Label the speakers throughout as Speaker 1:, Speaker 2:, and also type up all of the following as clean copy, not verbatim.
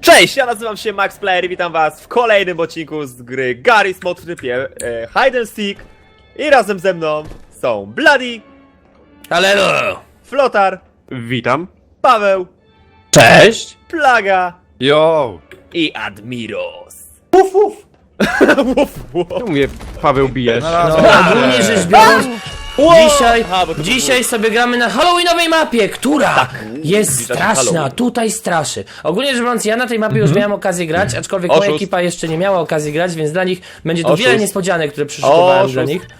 Speaker 1: Cześć, ja nazywam się Max Player i witam was w kolejnym odcinku z gry Garry's Mod w trybie Hide and Seek. I razem ze mną są Bloody,
Speaker 2: Halo!
Speaker 1: Flotar,
Speaker 3: Witam.
Speaker 1: Paweł,
Speaker 2: Cześć!
Speaker 1: Plaga
Speaker 3: Yo!
Speaker 1: i Admiros.
Speaker 3: Uf, uf.
Speaker 1: Uf, uf.
Speaker 3: Czemu mnie Paweł bijesz?
Speaker 2: No, ogólnie rzecz biorąc, dzisiaj,
Speaker 1: Aha, bo to
Speaker 2: dzisiaj sobie gramy na halloweenowej mapie, która jest
Speaker 1: Widać
Speaker 2: straszna,
Speaker 1: Halloween.
Speaker 2: tutaj straszy. Ogólnie rzecz biorąc, ja na tej mapie już miałem okazję grać, aczkolwiek moja
Speaker 1: Oszust.
Speaker 2: ekipa jeszcze nie miała okazji grać, więc dla nich będzie tu
Speaker 1: Oszust.
Speaker 2: wiele niespodzianek, które przyszykowałem
Speaker 1: Oszust.
Speaker 2: dla nich.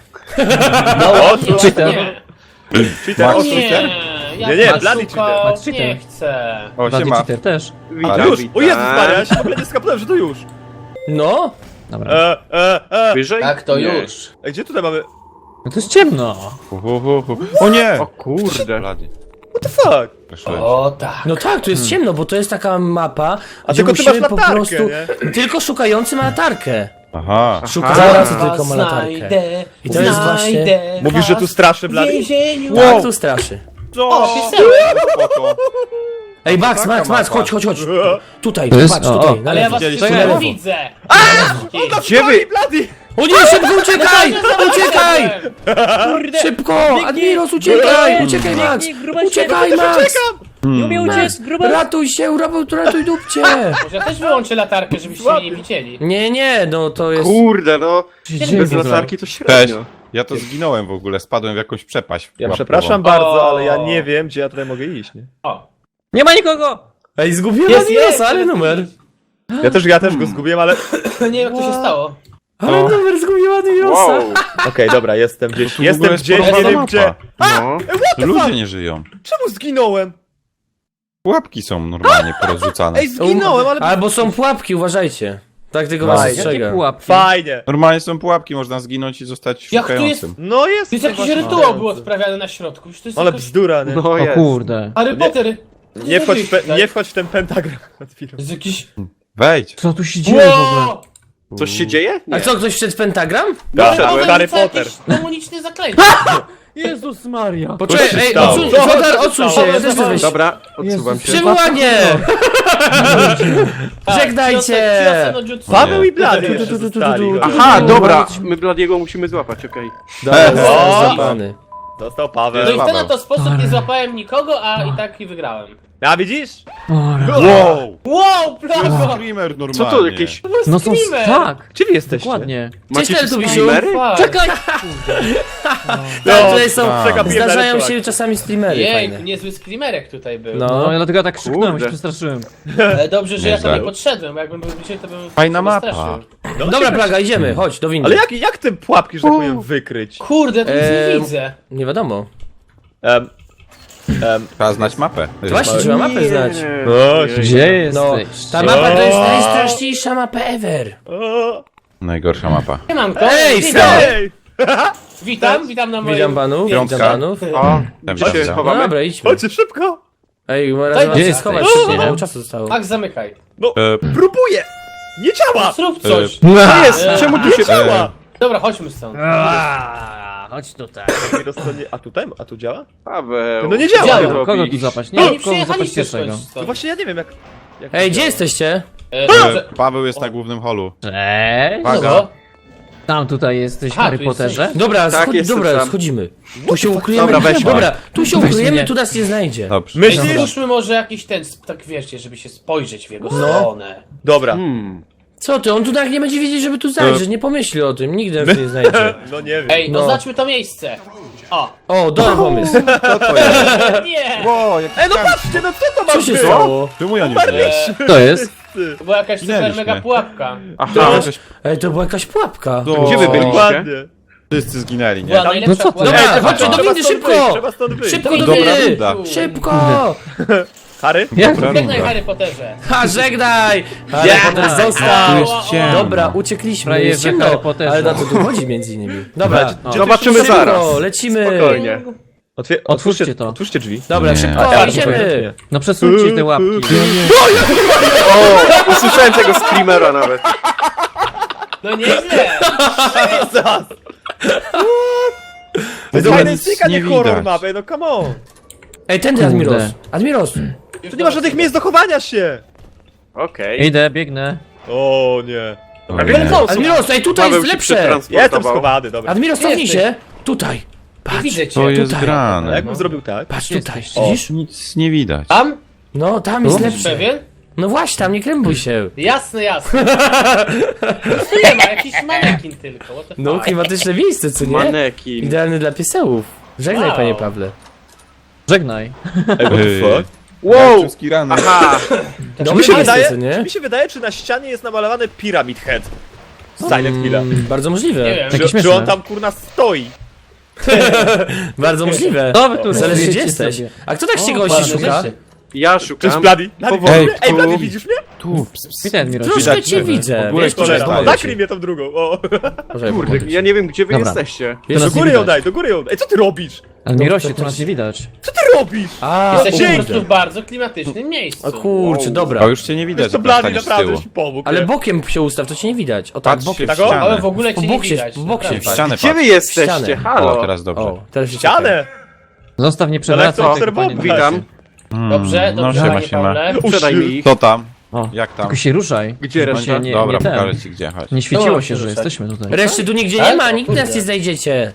Speaker 1: Cheater. Cheater,
Speaker 4: O
Speaker 1: oszust,
Speaker 4: nie,
Speaker 1: Nie, Bloody cheater.
Speaker 4: nie chcę.
Speaker 3: O,
Speaker 5: Bloody
Speaker 3: siema.
Speaker 5: cheater też.
Speaker 3: Witam,
Speaker 1: Już,
Speaker 3: witam.
Speaker 1: o Jezus Maria, ja się w ogóle nie skapnąłem, że to już.
Speaker 2: No,
Speaker 5: Dobra.
Speaker 3: Wyżej?
Speaker 4: Tak, to
Speaker 3: Nie.
Speaker 4: już.
Speaker 1: Gdzie tutaj mamy,
Speaker 5: No to jest ciemno.
Speaker 3: O nie! O kurde.
Speaker 1: what the fuck?
Speaker 4: O tak.
Speaker 2: no tak, tu jest ciemno, bo to jest taka mapa,
Speaker 1: A
Speaker 2: gdzie
Speaker 1: tylko ty
Speaker 2: musimy
Speaker 1: masz
Speaker 2: po
Speaker 1: latarkę,
Speaker 2: prostu...
Speaker 1: nie?
Speaker 2: Tylko szukający ma latarkę.
Speaker 3: Aha.
Speaker 2: Szukający tylko ma latarkę. I to jest właśnie...
Speaker 1: Mówisz, że tu straszy Bloody?
Speaker 4: więzieniu.
Speaker 2: Tak, tu straszy.
Speaker 4: O, pisełek.
Speaker 3: Spoko.
Speaker 2: Ej, Max, chodź. Tutaj,
Speaker 5: To jest-
Speaker 2: patrz,
Speaker 5: o,
Speaker 2: tutaj,
Speaker 5: o.
Speaker 2: na
Speaker 4: Ale ja
Speaker 2: lewo.
Speaker 4: was
Speaker 3: Widzieliście?
Speaker 4: wszystkich
Speaker 2: lewo.
Speaker 4: widzę.
Speaker 3: Gdzie wy?
Speaker 1: Bloody!
Speaker 2: O nie, szybko uciekaj! Uciekaj!
Speaker 4: Kurde.
Speaker 2: Szybko! Admiros, uciekaj! Uciekaj, Max! Uciekaj, Max!
Speaker 4: Nie umie
Speaker 2: Max!
Speaker 4: uciec, gruba.
Speaker 2: Ratuj się, ratuj dupcie!
Speaker 4: Może ja też wyłączę latarkę, żebyście mnie nie widzieli.
Speaker 2: Nie, no to jest...
Speaker 3: Kurde, no.
Speaker 5: Dzieje
Speaker 3: Bez
Speaker 5: w ogóle.
Speaker 3: latarki to średnio. Ja to zginąłem w ogóle, spadłem w jakąś przepaść.
Speaker 1: Ja
Speaker 3: łapkową.
Speaker 1: przepraszam bardzo,
Speaker 4: O.
Speaker 1: ale ja nie wiem, gdzie ja tutaj mogę iść, nie?
Speaker 4: O.
Speaker 5: Nie ma nikogo!
Speaker 2: Ej, zgubiłem
Speaker 4: Jest,
Speaker 2: Admirosa, ale numer.
Speaker 1: Ja też go zgubiłem, ale...
Speaker 4: Nie wiem jak to się stało.
Speaker 2: Ale numer zgubiłem Admirosa.
Speaker 1: Okej, dobra, jestem gdzieś,
Speaker 3: Tu w ogóle jest
Speaker 1: nie
Speaker 3: porąbana
Speaker 1: wiem
Speaker 3: mapa.
Speaker 1: gdzie.
Speaker 3: No.
Speaker 1: the
Speaker 3: Ludzie
Speaker 1: fuck?
Speaker 3: nie żyją.
Speaker 1: Czemu zginąłem?
Speaker 3: Pułapki są normalnie porozrzucane.
Speaker 1: Ej, zginąłem, ale...
Speaker 2: Albo są pułapki, uważajcie. Tak tego was
Speaker 1: Fajnie.
Speaker 5: Jakie
Speaker 2: ostrzegam.
Speaker 5: pułapki?
Speaker 1: Fajnie.
Speaker 3: Normalnie są pułapki, można zginąć i zostać
Speaker 4: Jak tu jest-
Speaker 3: szukającym.
Speaker 1: No jest.
Speaker 4: To jest jakiś
Speaker 1: właśnie
Speaker 4: rytuał
Speaker 1: szukający.
Speaker 4: był odprawiany na środku. Już to jest
Speaker 1: Ale
Speaker 4: jakoś...
Speaker 1: bzdura, nie?
Speaker 3: No
Speaker 5: O kurde.
Speaker 4: Harry Potter.
Speaker 1: Nie wchodź w ten pentagram.
Speaker 4: To jest jakiś...
Speaker 3: Wejdź.
Speaker 5: Co tu się dzieje w ogóle?
Speaker 4: Wow!
Speaker 3: Coś się dzieje?
Speaker 2: A co, ktoś wszedł w pentagram?
Speaker 1: Tak,
Speaker 4: Paweł
Speaker 1: Harry
Speaker 4: rzuca
Speaker 1: Potter.
Speaker 4: jakieś demoniczne zaklęcie.
Speaker 5: Jezus Maria.
Speaker 2: Poczekaj,
Speaker 1: się
Speaker 2: ej,
Speaker 1: stało?
Speaker 2: odsuń,
Speaker 1: Co
Speaker 2: Flotar,
Speaker 1: się
Speaker 2: odsuń się,
Speaker 1: stało?
Speaker 2: ja też chcę wejść.
Speaker 3: Dobra, odsuwam się.
Speaker 2: Przywołanie!
Speaker 4: Tak,
Speaker 2: Żegnajcie!
Speaker 4: Chiosę no jutsu.
Speaker 1: Paweł i Blady
Speaker 2: Tu,
Speaker 1: jeszcze
Speaker 2: tu, tu, tu,
Speaker 1: zostali.
Speaker 2: tu, tu.
Speaker 3: Aha, dobra.
Speaker 6: My Bladiego musimy złapać, okej.
Speaker 2: Dobra,
Speaker 1: O!
Speaker 2: został złapany.
Speaker 1: Dostał
Speaker 4: No
Speaker 1: Paweł.
Speaker 4: i w ten oto sposób nie złapałem nikogo, a i tak i wygrałem.
Speaker 1: A widzisz?
Speaker 3: Wow!
Speaker 4: Wow,
Speaker 3: To jest
Speaker 4: plaga!
Speaker 3: screamer normalnie.
Speaker 6: Co to jakieś...
Speaker 5: No są...
Speaker 4: Screamer.
Speaker 5: Tak,
Speaker 1: Gdzie wy jesteście?
Speaker 5: dokładnie.
Speaker 2: Cześć,
Speaker 6: Macie
Speaker 2: Tubisiu!
Speaker 6: streamery?
Speaker 2: Czekaj! Tak, tutaj są,
Speaker 1: Przegapiłem
Speaker 2: zdarzają
Speaker 1: daleko.
Speaker 2: się czasami streamery
Speaker 4: Jej,
Speaker 2: fajne.
Speaker 4: niezły screamerek tutaj był.
Speaker 2: No.
Speaker 5: No, ja dlatego tak krzyknąłem,
Speaker 6: Kurde.
Speaker 5: się przestraszyłem.
Speaker 4: Dobrze, że ja tam
Speaker 3: Nieźle.
Speaker 4: nie podszedłem, bo jakbym był bliżej, to bym
Speaker 3: Fajna
Speaker 4: się
Speaker 3: mapa.
Speaker 4: wystraszył.
Speaker 2: Dobra, Plaga, idziemy, chodź, do windy.
Speaker 1: Ale jak te pułapki, że tak powiem, wykryć?
Speaker 4: Kurde, to nic nie
Speaker 2: Ehm,
Speaker 4: widzę.
Speaker 2: Nie wiadomo.
Speaker 3: Trzeba znać mapę.
Speaker 2: Właśnie, trzeba mapę znać.
Speaker 1: No,
Speaker 5: Gdzie
Speaker 2: No,
Speaker 5: jesteś?
Speaker 2: ta mapa to jest najstraszniejsza mapa ever.
Speaker 1: o,
Speaker 3: Najgorsza mapa.
Speaker 4: Nie mam to.
Speaker 2: Ej,
Speaker 4: witam.
Speaker 1: Ej!
Speaker 4: Witam na moim...
Speaker 2: Witam panów, witam
Speaker 3: Piątka.
Speaker 2: panów.
Speaker 6: O,
Speaker 3: Tam
Speaker 6: gdzie się
Speaker 3: się
Speaker 2: No
Speaker 6: schowamy?
Speaker 2: dobra, idźmy.
Speaker 1: Chodźcie szybko!
Speaker 2: Ej,
Speaker 4: Daj,
Speaker 2: razem
Speaker 4: gdzie
Speaker 2: się
Speaker 5: jesteś?
Speaker 2: schować, nie mało czasu zostało.
Speaker 4: Ach, zamykaj.
Speaker 1: No, próbuję! Nie działa!
Speaker 4: Zrób coś.
Speaker 1: Co jest?
Speaker 4: Czemu
Speaker 1: tu się działa?
Speaker 4: Dobra, chodź stąd.
Speaker 5: Chodź tutaj.
Speaker 1: A tu działa?
Speaker 6: Paweł.
Speaker 1: No nie działa.
Speaker 4: Działa.
Speaker 6: Co
Speaker 5: Kogo tu
Speaker 6: robisz?
Speaker 5: złapać?
Speaker 4: No
Speaker 5: Nie,
Speaker 4: nie
Speaker 5: kogo złapać
Speaker 4: przyjechaliście
Speaker 5: pierwszego?
Speaker 4: skądś
Speaker 1: No
Speaker 4: stąd.
Speaker 1: właśnie ja nie wiem jak
Speaker 2: Ej,
Speaker 1: to
Speaker 2: gdzie
Speaker 1: działa.
Speaker 2: jesteście?
Speaker 3: Paweł jest na głównym holu.
Speaker 5: Cześć.
Speaker 3: Uwaga.
Speaker 4: No,
Speaker 5: Tam tutaj jesteś w
Speaker 4: Aha,
Speaker 5: Harry
Speaker 4: tu jesteś.
Speaker 5: Potterze.
Speaker 2: Dobra,
Speaker 6: Tak, jestem
Speaker 2: dobra,
Speaker 6: sam.
Speaker 2: schodzimy. Tu się ukryjemy.
Speaker 6: Dobra, weź.
Speaker 2: Dobra, tu się ukryjemy,
Speaker 5: mnie.
Speaker 2: tu nas nie znajdzie.
Speaker 3: Dobrze.
Speaker 4: Ej,
Speaker 1: Myślisz?
Speaker 4: stwórzmy może jakiś ten, tak wiecie, żeby się spojrzeć w jego stronę.
Speaker 1: Dobra.
Speaker 2: Co ty, on tu tak nie będzie wiedzieć, żeby tu zajrzeć, nie pomyśli o tym, nigdy nas nie znajdzie.
Speaker 1: No nie wiem.
Speaker 4: Ej,
Speaker 2: No.
Speaker 4: oznaczmy to miejsce. O.
Speaker 2: O, dobry pomysł.
Speaker 3: Co to jest?
Speaker 4: Nie!
Speaker 3: Wow, jak
Speaker 1: Ej, no patrzcie, no co to ma
Speaker 2: Co się
Speaker 1: być?
Speaker 2: stało?
Speaker 3: Czemu ja nie żyję?
Speaker 5: To jest?
Speaker 4: To była jakaś super
Speaker 3: Minęliśmy.
Speaker 4: mega pułapka.
Speaker 3: Aha, jakaś...
Speaker 2: Ej, to była jakaś pułapka.
Speaker 6: Gdzie wy byliście?
Speaker 1: Dokładnie.
Speaker 3: Wszyscy zginęli, nie?
Speaker 4: Była najlepsza
Speaker 5: no co ty?
Speaker 4: pułapka.
Speaker 2: Dobra,
Speaker 1: Ej,
Speaker 2: chodźcie do
Speaker 1: trzeba
Speaker 2: windy,
Speaker 1: stąd wyjść,
Speaker 2: szybko!
Speaker 1: Trzeba stąd wyjść.
Speaker 2: Szybko do
Speaker 3: Dobra
Speaker 2: windy!
Speaker 3: runda.
Speaker 2: Szybko!
Speaker 1: Harry?
Speaker 5: Jak?
Speaker 3: Dobra
Speaker 4: Żegnaj
Speaker 3: runda.
Speaker 4: Harry Potterze.
Speaker 2: Ha, żegnaj! Harry Potter
Speaker 5: Tu
Speaker 2: został!
Speaker 5: jest ciemno.
Speaker 2: Dobra, uciekliśmy,
Speaker 5: Frajerze
Speaker 2: jest ciemno,
Speaker 5: Harry Potterze.
Speaker 2: ale na to tu chodzi między innymi. Dobra,
Speaker 6: Zobaczymy
Speaker 2: szybko,
Speaker 6: zaraz.
Speaker 2: lecimy!
Speaker 6: Spokojnie.
Speaker 5: Otwórzcie to.
Speaker 1: Otwórzcie drzwi.
Speaker 2: Dobra,
Speaker 3: Nie.
Speaker 2: szybko, idziemy!
Speaker 5: No przesuńcie te łapki.
Speaker 6: O, usłyszałem tego screamera nawet.
Speaker 4: No nieźle.
Speaker 1: To jest
Speaker 3: ogóle
Speaker 1: fajny
Speaker 3: nic
Speaker 1: styk, a nie
Speaker 3: nie
Speaker 1: horror
Speaker 3: widać.
Speaker 1: mapy, no come on.
Speaker 2: Ej, tędy
Speaker 5: Kurde.
Speaker 2: Admiros! Admiros!
Speaker 1: Tu nie ma żadnych miejsc do chowania się.
Speaker 6: Okej.
Speaker 5: Idę, biegnę.
Speaker 1: O nie.
Speaker 3: Dobra,
Speaker 6: wiele
Speaker 3: nie.
Speaker 6: co?
Speaker 2: Admiros, ej, tutaj
Speaker 6: Paweł
Speaker 2: jest
Speaker 6: się
Speaker 2: lepsze!
Speaker 1: Jestem
Speaker 6: przetransportował.
Speaker 1: schowany, dobra.
Speaker 2: Admiros, cofnij
Speaker 4: Jesteś.
Speaker 2: się! Tutaj!
Speaker 4: Nie
Speaker 2: Patrz,
Speaker 4: widzę cię.
Speaker 3: To jest
Speaker 2: tutaj.
Speaker 1: A
Speaker 3: grane.
Speaker 1: jakbym zrobił tak?
Speaker 2: patrz tutaj,
Speaker 5: Jesteś.
Speaker 2: widzisz?
Speaker 3: Nic nie widać.
Speaker 4: Tam?
Speaker 2: No, tam jest
Speaker 4: Jesteś
Speaker 2: lepsze.
Speaker 4: pewien?
Speaker 2: No właśnie, tam nie krępuj się.
Speaker 4: Jasne, jasne. Tu nie ma, jakiś manekin tylko. What the
Speaker 2: No,
Speaker 4: fuck?
Speaker 2: klimatyczne miejsce, co nie?
Speaker 6: Manekin.
Speaker 2: Idealny dla piesełów. Żegnaj,
Speaker 4: Wow.
Speaker 2: panie Pawle.
Speaker 5: Żegnaj.
Speaker 1: Ej, what the fuck?
Speaker 6: Wow!
Speaker 3: Rany.
Speaker 6: Aha!
Speaker 1: Czy
Speaker 2: Dobry
Speaker 1: mi się
Speaker 2: miejsce,
Speaker 1: wydaje,
Speaker 2: co nie?
Speaker 1: czy mi się wydaje, czy na ścianie jest namalowany Pyramid Head z Silent Hilla?
Speaker 2: Bardzo możliwe.
Speaker 4: Nie wiem.
Speaker 5: Takie
Speaker 1: Czy
Speaker 5: śmieszne.
Speaker 1: on tam kurna stoi?
Speaker 2: Bardzo możliwe.
Speaker 5: To wy tu
Speaker 2: Zależy gdzie
Speaker 5: wiecie
Speaker 2: jesteś.
Speaker 5: sobie.
Speaker 2: A kto tak się
Speaker 5: O,
Speaker 2: gości
Speaker 4: Ładne
Speaker 2: szuka?
Speaker 4: rzeczy.
Speaker 6: Ja
Speaker 1: Cześć,
Speaker 6: szukam.
Speaker 1: Blady. Blady,
Speaker 6: Powoli.
Speaker 1: widzisz mnie? Ej, Blady, widzisz mnie?
Speaker 3: Tu,
Speaker 5: Witaj, Admiros.
Speaker 2: Troszkę
Speaker 3: Widać
Speaker 2: cię
Speaker 3: drzewo.
Speaker 2: widzę.
Speaker 3: W ogóle
Speaker 2: Wiesz,
Speaker 3: kolej
Speaker 2: cholera.
Speaker 3: staje.
Speaker 1: Nakryj mnie tam drugą. O.
Speaker 2: Może
Speaker 6: Kurde,
Speaker 2: podejść.
Speaker 6: ja nie wiem, gdzie wy
Speaker 5: Dobra.
Speaker 6: jesteście.
Speaker 2: Wiesz,
Speaker 1: Do
Speaker 2: nas nie
Speaker 1: góry ją
Speaker 2: widać.
Speaker 1: daj, do góry ją. Ej, co ty robisz?
Speaker 5: Admirosie, tu nas nie widać.
Speaker 1: Co ty robisz?
Speaker 2: A,
Speaker 4: Jesteśmy po
Speaker 2: kurde.
Speaker 4: prostu w bardzo klimatycznym miejscu.
Speaker 2: O kurczę, dobra.
Speaker 3: O, już cię nie widać,
Speaker 1: Wiesz co,
Speaker 3: jak
Speaker 1: Blady,
Speaker 3: staniesz z
Speaker 1: naprawdę
Speaker 3: tyłu.
Speaker 1: ci pomógł.
Speaker 2: Ale
Speaker 1: nie?
Speaker 2: bokiem się ustaw, to cię nie widać. O tak,
Speaker 3: Patrz
Speaker 2: bokiem.
Speaker 3: się w
Speaker 1: Tak, o?
Speaker 4: Ale
Speaker 3: ścianę.
Speaker 4: w ogóle cię
Speaker 2: Po
Speaker 4: nie
Speaker 2: bok się-
Speaker 4: widać.
Speaker 2: po bok się
Speaker 4: naprawdę.
Speaker 3: W ścianę
Speaker 6: Gdzie wy
Speaker 3: patrz.
Speaker 6: jesteście?
Speaker 2: Ścianę.
Speaker 6: Halo?
Speaker 3: O, teraz dobrze.
Speaker 2: O, teraz się
Speaker 1: Ścianę!
Speaker 5: Zostaw nie
Speaker 1: Ale
Speaker 5: przewracaj
Speaker 1: co
Speaker 5: tego,
Speaker 1: obserwować?
Speaker 5: panie.
Speaker 6: Witam.
Speaker 4: Dobrze,
Speaker 3: No
Speaker 4: dobrze,
Speaker 3: siema,
Speaker 4: panie
Speaker 3: siema.
Speaker 4: Pawle.
Speaker 6: Sprzedaj mi ich.
Speaker 3: Co tam?
Speaker 5: O,
Speaker 3: Jak tam?
Speaker 5: tylko się ruszaj.
Speaker 6: Gdzie
Speaker 5: Żeby
Speaker 6: reszta?
Speaker 5: się nie,
Speaker 3: Dobra,
Speaker 5: nie ten.
Speaker 3: pokażę ci gdzie, chodź.
Speaker 5: Nie świeciło
Speaker 4: Dobra,
Speaker 5: się, że
Speaker 4: ruszaj.
Speaker 5: jesteśmy tutaj.
Speaker 2: Reszty tu nigdzie
Speaker 4: Tak?
Speaker 2: nie ma,
Speaker 4: O
Speaker 2: nikt
Speaker 4: kurde.
Speaker 2: nas nie znajdziecie.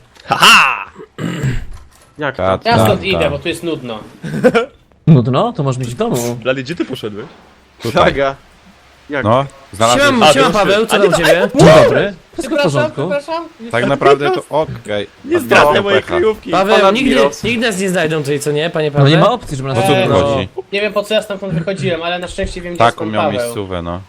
Speaker 6: Jak to?
Speaker 3: Ta,
Speaker 4: Ja
Speaker 3: ta,
Speaker 4: stąd
Speaker 3: ta.
Speaker 4: idę, bo tu jest nudno.
Speaker 5: Nudno? To możesz być w domu.
Speaker 1: Blady, gdzie ty poszedłeś?
Speaker 3: Tutaj.
Speaker 6: Saga. Jak?
Speaker 3: No, znalazłem.
Speaker 2: Siema, siema Paweł, co
Speaker 1: A
Speaker 2: tam
Speaker 1: nie,
Speaker 2: u ciebie?
Speaker 5: Dzień dobry. Wszystko w
Speaker 4: Przepraszam,
Speaker 5: porządku?
Speaker 4: przepraszam.
Speaker 3: Tak naprawdę to okej.
Speaker 1: Nie
Speaker 3: Odbiorę
Speaker 1: zdradzę mojej
Speaker 3: pecha.
Speaker 1: kryjówki.
Speaker 2: Paweł,
Speaker 6: Pana
Speaker 2: nigdy,
Speaker 6: Admiros.
Speaker 2: nigdy nas nie znajdą tutaj, co nie, panie
Speaker 5: No
Speaker 2: Paweł?
Speaker 5: nie ma opcji, żeby nas
Speaker 3: O co tu
Speaker 4: Eee,
Speaker 2: no.
Speaker 3: chodzi?
Speaker 4: Nie wiem po co ja stamtąd wychodziłem, ale na szczęście wiem gdzie jest
Speaker 3: Taką
Speaker 4: pan
Speaker 3: miał
Speaker 4: Paweł.
Speaker 3: miejscówę, no.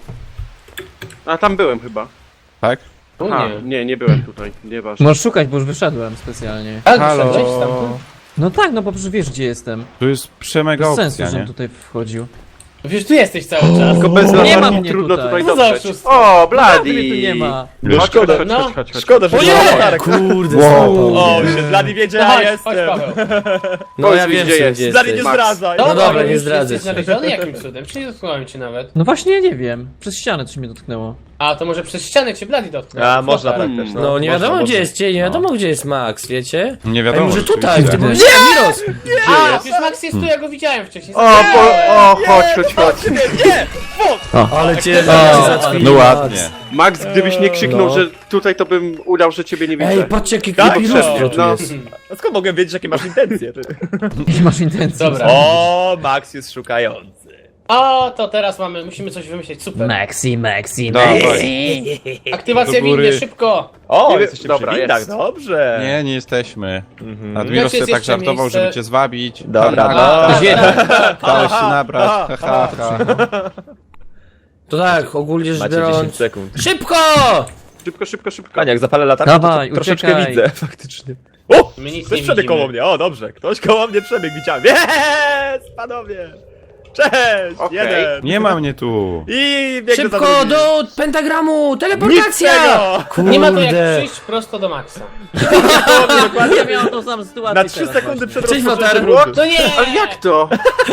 Speaker 6: A tam byłem chyba.
Speaker 3: Tak?
Speaker 4: Tu
Speaker 6: A,
Speaker 4: nie.
Speaker 6: nie byłem tutaj. Nieważne.
Speaker 5: Możesz szukać, bo już wyszedłem specjalnie.
Speaker 4: Tak,
Speaker 3: Halo?
Speaker 4: wyszedłeś stamtąd?
Speaker 5: No tak, no bo przecież wiesz gdzie jestem.
Speaker 3: Tu jest przemega
Speaker 5: Bez sensu,
Speaker 3: opcja,
Speaker 5: żebym
Speaker 3: nie?
Speaker 5: tutaj wchodził.
Speaker 4: Wiesz, tu jesteś cały czas.
Speaker 6: Tylko bez
Speaker 5: Nie ma
Speaker 6: latarki
Speaker 5: mnie
Speaker 6: trudno
Speaker 5: tutaj.
Speaker 6: tutaj
Speaker 4: No za
Speaker 6: dotrzeć.
Speaker 4: oszustwo.
Speaker 6: O,
Speaker 5: Blady
Speaker 6: Blady!
Speaker 5: tu nie ma.
Speaker 3: Wiesz,
Speaker 6: Chodź, chodź, chodź,
Speaker 4: No.
Speaker 6: chodź, chodź, chodź.
Speaker 1: Szkoda, że
Speaker 2: O
Speaker 1: nie
Speaker 2: nie!
Speaker 1: ma latarek.
Speaker 2: Kurde,
Speaker 3: Wow.
Speaker 2: złapał
Speaker 1: O,
Speaker 2: mnie.
Speaker 1: się, Blady wiedzie,
Speaker 4: No
Speaker 1: ja
Speaker 4: chodź,
Speaker 1: jestem.
Speaker 4: chodź Paweł.
Speaker 2: No
Speaker 6: Powiedz
Speaker 2: ja
Speaker 6: mi,
Speaker 2: wiem,
Speaker 6: gdzie
Speaker 2: że
Speaker 6: jesteś.
Speaker 2: gdzie
Speaker 1: Blady, nie
Speaker 2: jesteś.
Speaker 1: zdradzaj.
Speaker 2: No dobra,
Speaker 4: już
Speaker 2: nie zdradzę
Speaker 4: jesteś
Speaker 2: się.
Speaker 4: znaleziony jakim cudem? Czy nie dotknąłem cię nawet?
Speaker 5: No właśnie, ja nie wiem. Przez ścianę coś mnie dotknęło.
Speaker 4: A, to może przez ścianę cię Blady dotknął.
Speaker 1: A, można
Speaker 4: Super.
Speaker 1: tak też,
Speaker 2: No nie
Speaker 1: Można,
Speaker 2: wiadomo
Speaker 1: można.
Speaker 2: gdzie jest cień, nie wiadomo gdzie jest Max, wiecie?
Speaker 3: Nie
Speaker 2: Ej,
Speaker 3: wiadomo.
Speaker 2: może tutaj,
Speaker 3: rzeczywiście.
Speaker 2: ty byłeś Admiros.
Speaker 4: A, przecież Max jest tu, ja go widziałem wcześniej.
Speaker 6: O, chodź, chodź, chodź.
Speaker 1: Nie!
Speaker 2: Ale cię
Speaker 5: O,
Speaker 2: załatwili,
Speaker 3: No
Speaker 2: Max.
Speaker 3: ładnie.
Speaker 6: Max, gdybyś nie krzyknął,
Speaker 2: No.
Speaker 6: że tutaj, to bym udał, że ciebie nie widzę.
Speaker 2: Ej, patrzcie jakie
Speaker 1: Tak,
Speaker 2: creepy
Speaker 1: przez-
Speaker 2: lustro tu
Speaker 6: no.
Speaker 2: jest.
Speaker 1: A skąd mogę wiedzieć, jakie masz intencje? Ty?
Speaker 5: Nie masz intencji.
Speaker 4: Dobra.
Speaker 1: O, Max jest szukający.
Speaker 4: O, to teraz musimy coś wymyślić, super.
Speaker 5: Maxi.
Speaker 3: Dawaj.
Speaker 4: Aktywacja
Speaker 3: Do góry.
Speaker 4: windy, szybko.
Speaker 1: O,
Speaker 6: Nie wiem-
Speaker 1: jesteście
Speaker 6: dobra,
Speaker 1: przy windach,
Speaker 6: jest.
Speaker 1: dobrze.
Speaker 3: Nie, nie jesteśmy.
Speaker 1: Mhm.
Speaker 3: Admiros
Speaker 4: Znaczy,
Speaker 3: sobie tak
Speaker 4: jest jeszcze
Speaker 3: żartował,
Speaker 4: miejsce-
Speaker 3: żeby cię zwabić.
Speaker 1: Dobra,
Speaker 3: Ha,
Speaker 1: no.
Speaker 5: Ktoś jeden.
Speaker 3: Dałeś się nabrać. Ha, ha, ha.
Speaker 2: To tak, ogólnie rzecz
Speaker 1: Macie 10
Speaker 2: biorąc...
Speaker 1: sekund.
Speaker 2: Szybko!
Speaker 6: Szybko, szybko, szybko.
Speaker 1: Panie, jak zapalę latarkę,
Speaker 5: Dawaj,
Speaker 1: to troszeczkę
Speaker 5: uciekaj.
Speaker 1: widzę, faktycznie. O!
Speaker 4: My nic
Speaker 1: Ktoś
Speaker 4: nie
Speaker 1: przebiegł
Speaker 4: widzimy.
Speaker 1: koło mnie, o dobrze, ktoś koło mnie przebiegł, widziałem. Jest, panowie! Cześć!
Speaker 6: Okej.
Speaker 1: Jeden!
Speaker 3: Nie ma mnie tu.
Speaker 1: I biegnę za
Speaker 2: Szybko
Speaker 1: drugim.
Speaker 2: do pentagramu!
Speaker 1: Nic z
Speaker 2: Teleportacja!
Speaker 1: tego!
Speaker 2: Kurde.
Speaker 4: Nie ma to jak przyjść prosto do Maxa.
Speaker 5: Ja miałem tą samą sytuację
Speaker 1: Na 3
Speaker 5: teraz
Speaker 1: sekundy przed
Speaker 2: Cześć,
Speaker 1: rozpoczęciem
Speaker 2: Lotar.
Speaker 1: rundy.
Speaker 4: To nie!
Speaker 6: Ale jak to?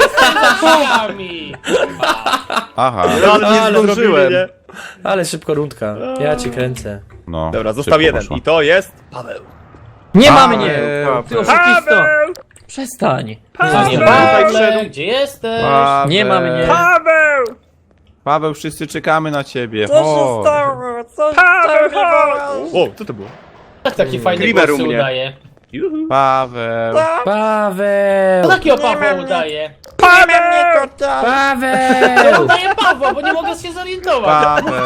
Speaker 4: za drzwiami!
Speaker 3: Aha.
Speaker 1: No, ale nie
Speaker 2: Ale
Speaker 1: zdążyłem, nie?
Speaker 2: Ale szybko rundka. Ja cię kręcę.
Speaker 3: No.
Speaker 1: Dobra, został
Speaker 3: szybko
Speaker 1: jeden
Speaker 3: poszło.
Speaker 1: i to jest Paweł.
Speaker 5: Nie ma
Speaker 3: Paweł,
Speaker 5: mnie!
Speaker 6: Paweł.
Speaker 5: Ty oszukisto! Przestań!
Speaker 4: Co nie
Speaker 6: Tutaj
Speaker 4: Pawle,
Speaker 6: wszedł.
Speaker 4: gdzie jesteś?
Speaker 3: Paweł.
Speaker 5: Nie ma mnie!
Speaker 1: Paweł!
Speaker 3: Paweł, wszyscy czekamy na ciebie. Chodź.
Speaker 1: O, co to było?
Speaker 4: Tak, taki fajny
Speaker 6: Grimer
Speaker 4: głos
Speaker 6: u
Speaker 4: się
Speaker 6: mnie.
Speaker 4: udaje.
Speaker 3: Paweł.
Speaker 4: To
Speaker 2: Paweł!
Speaker 4: takiego Pawła udaje.
Speaker 2: Paweł!
Speaker 4: Udaje Pawła, bo nie mogę się zorientować.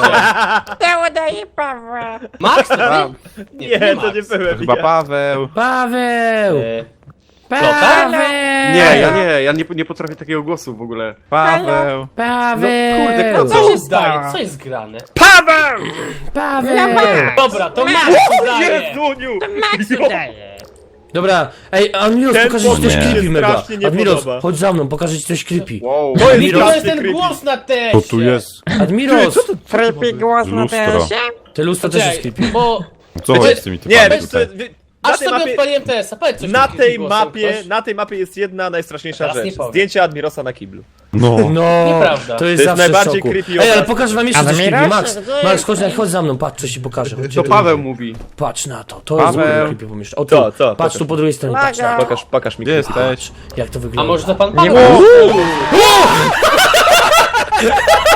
Speaker 3: Paweł.
Speaker 4: Max, to
Speaker 3: Pa-
Speaker 4: ty?
Speaker 1: Nie, to nie
Speaker 4: Max.
Speaker 1: byłem
Speaker 3: Chyba
Speaker 1: ja.
Speaker 3: Paweł.
Speaker 2: Paweł!
Speaker 4: E,
Speaker 2: Paweł!
Speaker 6: Ja nie potrafię takiego głosu w ogóle.
Speaker 3: Paweł.
Speaker 2: Paweł!
Speaker 6: kurde,
Speaker 4: Co się zdaje? Co jest grane?
Speaker 1: Paweł!
Speaker 2: Paweł!
Speaker 4: Dobra, to Max udaje.
Speaker 1: Jezuniu!
Speaker 2: Dobra, ej, Admiros,
Speaker 1: Ten
Speaker 2: pokażę ci coś
Speaker 3: pomysł mi
Speaker 2: creepy
Speaker 1: się
Speaker 2: mega.
Speaker 1: strasznie nie
Speaker 2: Admiros,
Speaker 1: podoba.
Speaker 2: chodź za mną, pokażę ci coś creepy.
Speaker 6: Wow.
Speaker 1: To jest
Speaker 4: I to
Speaker 1: strasznie
Speaker 4: jest ten
Speaker 1: creepy.
Speaker 4: głos na teście.
Speaker 3: To tu jest
Speaker 2: Admiros,
Speaker 3: lustro.
Speaker 2: te lustro też jest
Speaker 4: Czekaj,
Speaker 2: creepy.
Speaker 4: bo
Speaker 3: Co
Speaker 4: Wiecie-
Speaker 3: jest z tymi
Speaker 1: Nie,
Speaker 3: typami
Speaker 1: wiesz co,
Speaker 3: tutaj?
Speaker 1: na
Speaker 4: aż
Speaker 1: tej
Speaker 4: sobie
Speaker 1: mapie...
Speaker 4: odpaliłem TS-a, powiedz coś
Speaker 1: Na
Speaker 4: o
Speaker 1: tej
Speaker 4: tym głosom,
Speaker 1: mapie,
Speaker 4: ktoś?
Speaker 1: na tej mapie jest jedna najstraszniejsza
Speaker 4: Teraz nie
Speaker 1: rzecz.
Speaker 4: powiem.
Speaker 1: Zdjęcie Admirosa na kiblu.
Speaker 3: No.
Speaker 2: No,
Speaker 4: Nieprawda.
Speaker 2: to jest
Speaker 1: To jest
Speaker 2: zawsze
Speaker 1: najbardziej
Speaker 2: w szoku.
Speaker 1: creepy
Speaker 2: Ej, ale
Speaker 1: obraz.
Speaker 2: pokażę wam jeszcze coś creepy. Max, Max, chodź za mną, patrz, coś ci pokażę. Chodź,
Speaker 6: To Paweł mówi.
Speaker 2: Patrz na to, to jest
Speaker 3: Paweł.
Speaker 2: creepy pomieszczenie. O tu,
Speaker 1: Co?
Speaker 2: patrz
Speaker 1: Pokaż.
Speaker 2: tu po drugiej stronie, patrz na to.
Speaker 1: Pokaż mi
Speaker 3: Gdzie
Speaker 1: creepy.
Speaker 3: jesteś?
Speaker 2: Jak to
Speaker 4: A
Speaker 2: wygląda.
Speaker 4: może to pan
Speaker 5: Nie
Speaker 4: Paweł?
Speaker 5: ma.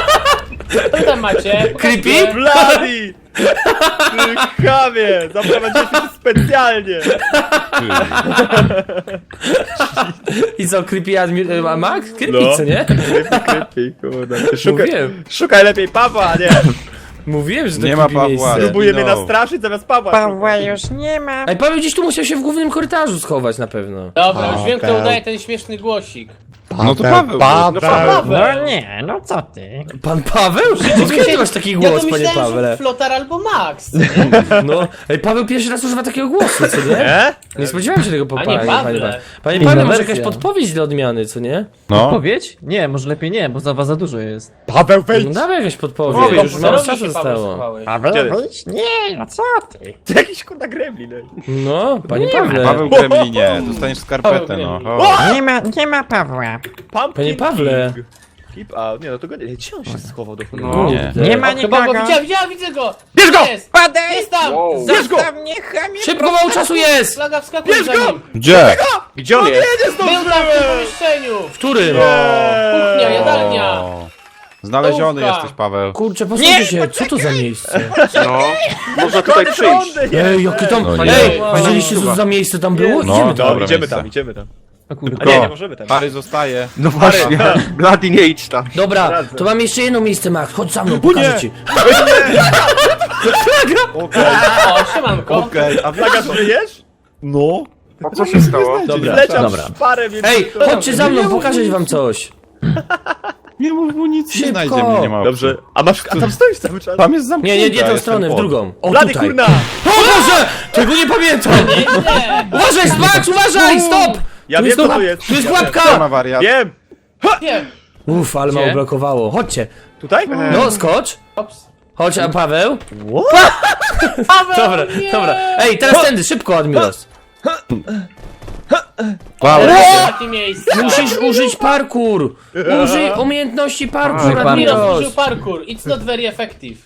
Speaker 4: tam macie.
Speaker 2: Creepy?
Speaker 1: Bloody! Ty chamie! Zaprowadziłeś się specjalnie!
Speaker 2: I co, creepy Max? Creepy,
Speaker 1: No.
Speaker 2: co nie?
Speaker 1: Creepy, kurde.
Speaker 2: Mówiłem.
Speaker 1: Szukaj lepiej Pawła, nie!
Speaker 2: Mówiłem, że to
Speaker 3: Nie ma
Speaker 2: creepy
Speaker 3: Pawła.
Speaker 2: miejsce.
Speaker 1: Próbuje mnie
Speaker 3: No.
Speaker 1: nastraszyć zamiast Pawła.
Speaker 5: Pawła już nie ma.
Speaker 2: Ej, Paweł gdzieś tu musiał się w głównym korytarzu schować na pewno.
Speaker 4: Dobra, już wiem, kto udaje ten śmieszny głosik.
Speaker 3: No to Paweł.
Speaker 6: No Paweł.
Speaker 5: No nie, no co ty?
Speaker 2: Pan Paweł? Skąd ty masz taki
Speaker 4: Ja
Speaker 2: głos,
Speaker 4: to
Speaker 2: panie
Speaker 4: myślałem, że
Speaker 2: Pawle?
Speaker 4: Flotar albo Max.
Speaker 2: No, ej, Paweł pierwszy raz używa takiego głosu, co nie?
Speaker 1: Nie?
Speaker 2: Nie spodziewałem się tego po
Speaker 4: A nie,
Speaker 2: panie
Speaker 4: Pawle.
Speaker 2: Pawle. Panie
Speaker 5: Inna
Speaker 2: Pawle, może
Speaker 5: wersja.
Speaker 2: jakaś podpowiedź dla odmiany, co nie?
Speaker 3: No.
Speaker 5: Powiedz? Nie, może lepiej nie, bo za dużo jest.
Speaker 1: Paweł,
Speaker 2: No
Speaker 1: wejdź!
Speaker 2: dawaj jakaś podpowiedź,
Speaker 4: Powiedz,
Speaker 2: już mało
Speaker 4: komputerowi
Speaker 2: czasu
Speaker 4: się, Paweł,
Speaker 2: zostało.
Speaker 4: słuchałeś.
Speaker 5: Paweł,
Speaker 1: Kiedy?
Speaker 5: wyjdź? Nie, no co ty?
Speaker 1: Ty jakiś kurna gremlin. ej.
Speaker 2: No, panie Pawle.
Speaker 3: Paweł Gremlinie, dostaniesz skarpetę, no. O.
Speaker 5: Nie ma Pawła.
Speaker 1: Pumpkin
Speaker 2: Panie Pawle.
Speaker 1: King. Keep out. Nie, no to go nie. Gdzie on się schował do
Speaker 6: No.
Speaker 1: cholery?
Speaker 3: Nie.
Speaker 5: Nie ma
Speaker 4: O, chyba go
Speaker 5: nikogo.
Speaker 4: widzę go!
Speaker 1: Bierz go!
Speaker 4: Jest!
Speaker 5: Padaj!
Speaker 4: Jest tam!
Speaker 6: Wow.
Speaker 1: Bierz go!
Speaker 5: Zostaw mnie, chamie!
Speaker 2: Szybko, mało czasu jest!
Speaker 4: Flaga wskakuje za nim!
Speaker 3: Gdzie?
Speaker 6: Gdzie on jest?
Speaker 4: Był tam w tym pomieszczeniu!
Speaker 2: W którym?
Speaker 4: Kuchnia, jadalnia!
Speaker 3: O. Znaleziony
Speaker 4: Stołówka.
Speaker 3: jesteś, Paweł.
Speaker 2: Kurczę, posłuchajcie się, co to za miejsce?
Speaker 6: No. Można tutaj przyjść.
Speaker 2: Ej, jakie tam...
Speaker 3: No nie.
Speaker 2: Ej, widzieliście co to za miejsce tam było?
Speaker 3: No.
Speaker 2: Idziemy tam.
Speaker 3: Dobra
Speaker 1: Idziemy
Speaker 3: miejsce.
Speaker 1: tam, idziemy tam.
Speaker 5: O kurde.
Speaker 1: A nie, nie możemy tam.
Speaker 3: Pary zostaje.
Speaker 6: No właśnie. Bloody nie idź tam.
Speaker 2: Dobra,
Speaker 1: Radzę.
Speaker 2: to mam jeszcze jedno miejsce, Max. Chodź za mną, pokażę ci.
Speaker 1: Okej,
Speaker 4: O, siemanko!
Speaker 1: okej. A Flaga, żyjesz?
Speaker 3: No.
Speaker 6: A co się stało?
Speaker 2: Dobra,
Speaker 1: Leciał
Speaker 2: dobra.
Speaker 1: szparę, więc...
Speaker 2: Ej, chodźcie za mną, pokażę wam coś.
Speaker 3: Nie mów mu nic, nie
Speaker 2: Szybko.
Speaker 3: znajdzie mnie, nie ma opcji.
Speaker 1: Dobrze. A tam stoisz cały czas?
Speaker 3: Tam jest zamknięta.
Speaker 2: Nie, nie tą
Speaker 3: jestem
Speaker 2: stronę, w
Speaker 3: pod.
Speaker 2: drugą. O,
Speaker 1: Blady,
Speaker 2: tutaj.
Speaker 1: kurna!
Speaker 2: O Boże! Tego nie pamiętam!
Speaker 4: Nie,
Speaker 2: Uważaj, Max, uważaj, stop!
Speaker 1: Ja
Speaker 2: Tu
Speaker 1: wiem,
Speaker 2: jest
Speaker 1: co
Speaker 2: tu-
Speaker 1: tu jest.
Speaker 2: Tu jest
Speaker 1: Ja
Speaker 2: pułapka!
Speaker 3: Gdzie ma wariat?
Speaker 1: Wiem!
Speaker 4: nie!
Speaker 2: Uff, ale mało blokowało. Chodźcie.
Speaker 1: Tutaj?
Speaker 2: No, skocz.
Speaker 4: Ops.
Speaker 2: Chodź, a Paweł?
Speaker 4: Paweł,
Speaker 2: Dobra,
Speaker 4: nie!
Speaker 2: dobra. Ej, teraz tędy, szybko, Admiros.
Speaker 3: Paweł.
Speaker 4: Takie miejsce!
Speaker 2: Musisz użyć parkour. Użyj umiejętności parkour,
Speaker 5: parkour.
Speaker 4: Admiros
Speaker 2: Admiros.
Speaker 4: użył parkour. It's not very effective.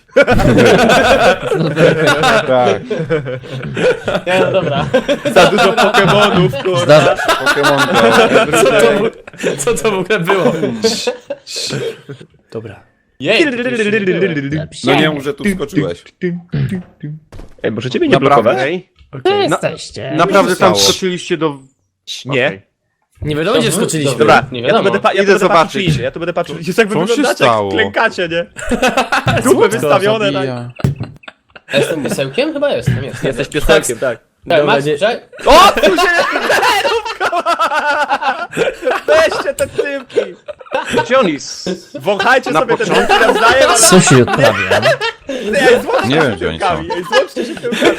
Speaker 3: Tak.
Speaker 4: Nie, no dobra.
Speaker 1: Za dużo Pokemonów, kurna.
Speaker 3: Pokémon Go.
Speaker 2: Co to w ogóle było? Dobra.
Speaker 4: Jej!
Speaker 3: No nie mów, że tu skoczyłeś.
Speaker 1: Ej, może ciebie nie
Speaker 3: Naprawdę?
Speaker 1: blokować?
Speaker 6: Ej,
Speaker 5: Jesteście.
Speaker 6: naprawdę tam
Speaker 3: stało?
Speaker 6: skoczyliście do...
Speaker 1: Nie.
Speaker 6: Okej.
Speaker 2: Nie wiadomo, gdzie wskoczyliśmy.
Speaker 1: Dobra,
Speaker 4: Nie
Speaker 1: ja tu
Speaker 4: wiadomo.
Speaker 1: będę, ja
Speaker 6: Idę
Speaker 1: tu będę
Speaker 6: zobaczyć.
Speaker 1: patrzył przyjrzeć, ja tu będę patrzył. Jest jak wy
Speaker 3: Co się
Speaker 1: wyglądacie,
Speaker 3: stało?
Speaker 1: jak klękacie, nie? Dupy wystawione, tak.
Speaker 4: Jestem piesełkiem? Chyba jestem.
Speaker 1: Jesteś piosenkiem, tak.
Speaker 4: Tak,
Speaker 2: Dobra,
Speaker 4: Max,
Speaker 2: nie-
Speaker 4: czekaj.
Speaker 1: O, tu się... Weźcie te tyłki!
Speaker 6: Gdzie on jest?
Speaker 1: Wąchajcie
Speaker 6: Na
Speaker 1: sobie te
Speaker 6: początku?
Speaker 1: tyłki nawzajem, ale...
Speaker 5: Co się odprawia?
Speaker 1: Ej, złączcie
Speaker 3: Nie
Speaker 1: się
Speaker 3: wiem, gdzie oni
Speaker 1: tyłkami,
Speaker 3: są.
Speaker 1: ej, złączcie się tyłkami.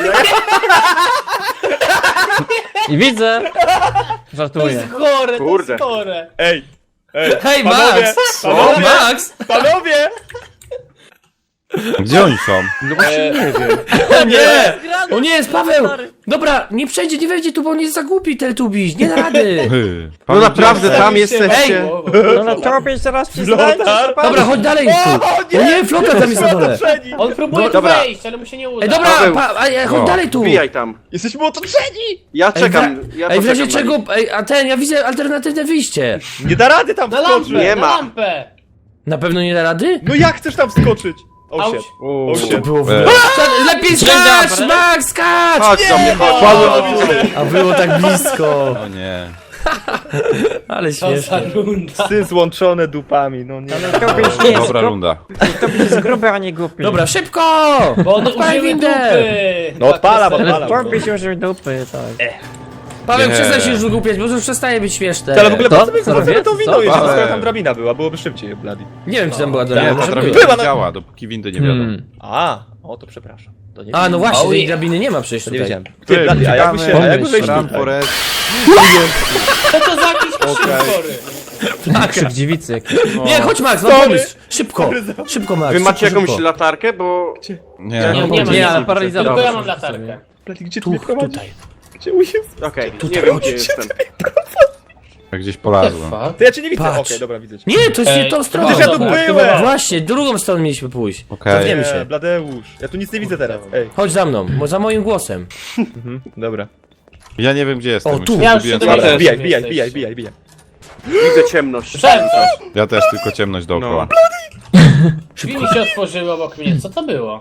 Speaker 5: I widzę.
Speaker 4: To
Speaker 5: Żartuję.
Speaker 4: jest chore, to
Speaker 6: Kurde.
Speaker 4: jest chore.
Speaker 1: Ej, ej,
Speaker 2: Hej,
Speaker 1: panowie,
Speaker 2: Max!
Speaker 1: panowie,
Speaker 2: Max!
Speaker 1: panowie!
Speaker 3: Gdzie oni są?
Speaker 6: No właśnie nie wiem.
Speaker 2: O nie! O nie, jest Paweł! Dobra, nie przejdzie, nie wejdzie tu, bo on jest za głupi, Teletubbies. Nie da rady.
Speaker 6: No
Speaker 3: Paweł,
Speaker 6: naprawdę, tam
Speaker 4: Ej,
Speaker 6: jesteście.
Speaker 5: No na tobie zaraz przyznajcie.
Speaker 1: Flotar?
Speaker 2: Dobra, chodź dalej tu. O nie, Flotar tam jest na dole.
Speaker 1: Otoczeni!
Speaker 4: On próbuje tu
Speaker 6: Dobra.
Speaker 4: wejść, ale mu się nie uda.
Speaker 2: Ej, dobra,
Speaker 6: Paweł.
Speaker 2: chodź
Speaker 3: O,
Speaker 2: dalej tu.
Speaker 6: Wbijaj tam.
Speaker 1: Jesteśmy otoczeni!
Speaker 6: Ja czekam. Ja
Speaker 2: Ej, w razie
Speaker 6: poczekam na
Speaker 2: czego,
Speaker 6: nich.
Speaker 2: ej, a ten, ja widzę alternatywne wyjście.
Speaker 1: Nie da rady tam
Speaker 4: Na
Speaker 1: wskoczyć!
Speaker 4: lampę,
Speaker 6: Nie
Speaker 4: na
Speaker 6: ma.
Speaker 4: lampę.
Speaker 2: Na pewno nie da rady?
Speaker 1: No jak chcesz tam wskoczyć? O
Speaker 4: Auć.
Speaker 1: shit.
Speaker 6: O,
Speaker 1: O
Speaker 2: To
Speaker 1: shit.
Speaker 2: było w...
Speaker 3: E.
Speaker 2: Lepiej skacz, Max, skacz!
Speaker 6: Chodź do mnie, chodź.
Speaker 1: Paweł, widzę.
Speaker 2: A było tak blisko.
Speaker 3: O nie.
Speaker 2: Ale
Speaker 4: Co za
Speaker 2: śmieszne.
Speaker 4: runda.
Speaker 1: Psy złączone dupami, no nie.
Speaker 5: Tobie nie jest
Speaker 3: Dobra runda.
Speaker 5: Tobie jest gruby, a nie głupi.
Speaker 2: Dobra, szybko!
Speaker 4: Bo one
Speaker 2: Odpalaj
Speaker 4: użyły
Speaker 2: windę.
Speaker 4: dupy.
Speaker 1: No odpalam,
Speaker 4: Tak,
Speaker 5: Ale
Speaker 1: odpalam.
Speaker 5: tobie się użył dupy, tak.
Speaker 2: Paweł,
Speaker 3: Nie.
Speaker 2: przestań się już wygłupiać, bo już przestaje być śmieszne.
Speaker 1: Ale w ogóle
Speaker 5: To?
Speaker 1: po co my
Speaker 5: Co
Speaker 1: wchodzimy
Speaker 5: robię?
Speaker 1: tą windą,
Speaker 5: Co?
Speaker 1: jeżeli
Speaker 3: Paweł.
Speaker 1: skoro tam drabina była, byłoby szybciej, Bloody.
Speaker 2: Nie wiem, czy tam była
Speaker 3: Nie,
Speaker 2: drabina,
Speaker 3: ta
Speaker 2: może
Speaker 3: drabina
Speaker 2: była.
Speaker 1: Była
Speaker 3: nie
Speaker 1: na-
Speaker 3: działa, dopóki windy nie wiadomo.
Speaker 1: A, o to przepraszam. To nie
Speaker 2: A, no właśnie, tej
Speaker 4: yeah.
Speaker 2: drabiny nie ma przecież
Speaker 1: To nie
Speaker 2: tutaj.
Speaker 1: wiedziałem. Ty, Bloody, a jakby się, a jakby wejść
Speaker 3: Ram
Speaker 1: tutaj?
Speaker 3: Forest.
Speaker 4: Co to za jakiś krzywory?
Speaker 5: Krzyk dziewicy jakiś.
Speaker 2: Nie, chodź Max, mam
Speaker 1: Sorry.
Speaker 2: pomysł. Szybko, szybko Max.
Speaker 6: Wy macie
Speaker 2: szybko,
Speaker 6: jakąś
Speaker 2: szybko.
Speaker 6: latarkę, bo...
Speaker 3: Nie,
Speaker 4: Nie,
Speaker 3: no,
Speaker 4: nie ma.
Speaker 5: Nie, ale paralizator.
Speaker 4: Tylko ja mam latarkę.
Speaker 1: Bloody, gdzie tu mnie prowadzi?
Speaker 2: Tutaj.
Speaker 1: Gdzie jest?
Speaker 6: Okej, nie wiem gdzie jestem.
Speaker 3: ja gdzieś
Speaker 4: What the
Speaker 3: polazłem.
Speaker 4: fuck?
Speaker 1: To ja cię nie widzę.
Speaker 2: Patrz.
Speaker 1: Okej, dobra, widzę cię.
Speaker 2: Nie, to jest nie
Speaker 4: Ej,
Speaker 2: tą stroną.
Speaker 1: przecież ja tu
Speaker 2: Dobra.
Speaker 1: byłem.
Speaker 2: Właśnie, drugą stroną mieliśmy pójść.
Speaker 3: Okej.
Speaker 2: Cofniemy się.
Speaker 1: Nie, Bladeusz. Ja tu nic nie widzę teraz. Ej,
Speaker 2: Chodź za mną, za moim głosem.
Speaker 1: dobra.
Speaker 3: Ja nie wiem, gdzie jestem.
Speaker 2: O, tu.
Speaker 3: Już
Speaker 4: Ja już
Speaker 3: zgubiłem
Speaker 4: się
Speaker 3: całe-
Speaker 4: dowiedziałem.
Speaker 1: Bijaj,
Speaker 4: Gdzie
Speaker 1: bijaj,
Speaker 4: jesteście?
Speaker 1: bijaj, bijaj, bijaj.
Speaker 6: Widzę ciemność.
Speaker 4: Słyszałem coś.
Speaker 3: Ja też tylko ciemność dookoła.
Speaker 4: Drzwi mi się otworzyły obok mnie, co to było?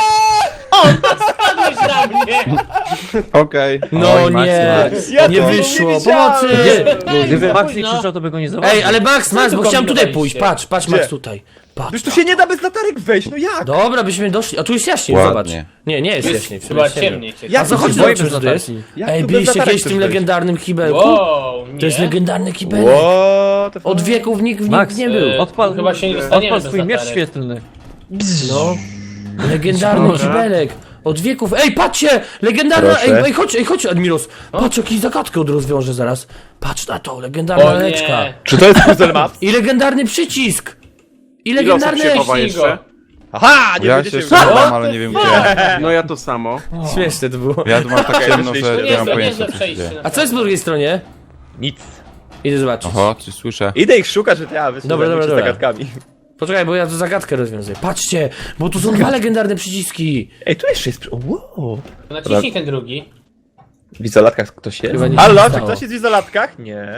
Speaker 4: O, spadłeś na mnie!
Speaker 3: Okej.
Speaker 2: No
Speaker 5: Oj, Max,
Speaker 2: nie,
Speaker 5: Max.
Speaker 1: Ja
Speaker 2: nie
Speaker 1: to
Speaker 2: wyszło,
Speaker 1: nie widziałem.
Speaker 2: pomocy!
Speaker 5: Gdyby Max nie
Speaker 4: późno.
Speaker 5: krzyczał, to by go nie zauważył.
Speaker 2: Ej, ale Max, bo
Speaker 4: tu
Speaker 2: chciałem tutaj
Speaker 4: kombinowaliście?
Speaker 2: pójść, patrz Max
Speaker 1: Gdzie?
Speaker 2: tutaj. Patrz.
Speaker 1: Już tu się nie da bez latarek wejść, no jak?
Speaker 2: Dobra, byśmy doszli, a tu jest jaśniej,
Speaker 3: Ładnie.
Speaker 2: zobacz. Nie jest jaśniej.
Speaker 4: Chyba
Speaker 2: jest ciemno.
Speaker 4: ciemniej cię.
Speaker 1: Ja
Speaker 2: A co, chodź,
Speaker 5: Boję
Speaker 2: zobaczymy, co to jest.
Speaker 1: Jak
Speaker 2: Ej,
Speaker 1: tu bez
Speaker 2: byliście
Speaker 1: latarek
Speaker 2: kiedyś w
Speaker 1: chcesz
Speaker 2: tym
Speaker 1: wejść?
Speaker 2: legendarnym kibelku?
Speaker 4: Wow, nie.
Speaker 2: To jest legendarny kibelek.
Speaker 1: What the fuck?
Speaker 2: Od wieków nikt
Speaker 5: Max,
Speaker 2: nie był.
Speaker 5: odpal,
Speaker 4: Chyba się nie dostaniemy
Speaker 5: odpal
Speaker 4: bez
Speaker 5: swój miecz
Speaker 4: latarek.
Speaker 5: świetlny.
Speaker 2: No. Legendarny
Speaker 6: Dobra.
Speaker 2: kibelek. Od wieków. Ej, patrzcie! Legendarna.
Speaker 1: Proszę.
Speaker 2: Ej, chodź, Admiros. Patrz, jakiś zagadkę rozwiążę zaraz. Patrz na to, legendarna
Speaker 4: O
Speaker 2: leczka.
Speaker 4: nie.
Speaker 1: Czy to jest puzzle map?
Speaker 2: I legendarny przycisk. I
Speaker 6: Ile osób
Speaker 2: legendarny.
Speaker 6: się chowa
Speaker 4: Ścigo.
Speaker 6: jeszcze?
Speaker 1: Aha, nie
Speaker 3: Ja
Speaker 1: będziecie
Speaker 3: się jeszcze
Speaker 1: wiedzieć.
Speaker 3: chowam, ale nie wiem gdzie.
Speaker 6: No ja to samo.
Speaker 2: Śmieszne to było.
Speaker 3: Ja tu mam tak ciemno,
Speaker 1: To
Speaker 3: że
Speaker 4: To
Speaker 3: nie mam
Speaker 4: niezłe,
Speaker 3: pojęcia
Speaker 4: niezłe
Speaker 3: co się
Speaker 4: przejście.
Speaker 3: dzieje.
Speaker 2: A co jest po drugiej stronie?
Speaker 1: Nic.
Speaker 2: Idę zobaczyć.
Speaker 3: Oho, coś słyszę.
Speaker 1: Idę ich szukać, że ja
Speaker 2: Dobra, dobra.
Speaker 1: zagadkami.
Speaker 2: Poczekaj, bo ja tu zagadkę rozwiązuję. Patrzcie, bo tu są dwa legendarne przyciski.
Speaker 1: Ej, tu jeszcze jest... Wow.
Speaker 4: Naciśnij ten drugi.
Speaker 1: W izolatkach ktoś jest?
Speaker 2: Chyba nic
Speaker 1: Halo,
Speaker 2: nie
Speaker 1: czy
Speaker 2: stało.
Speaker 1: ktoś jest w izolatkach? Nie.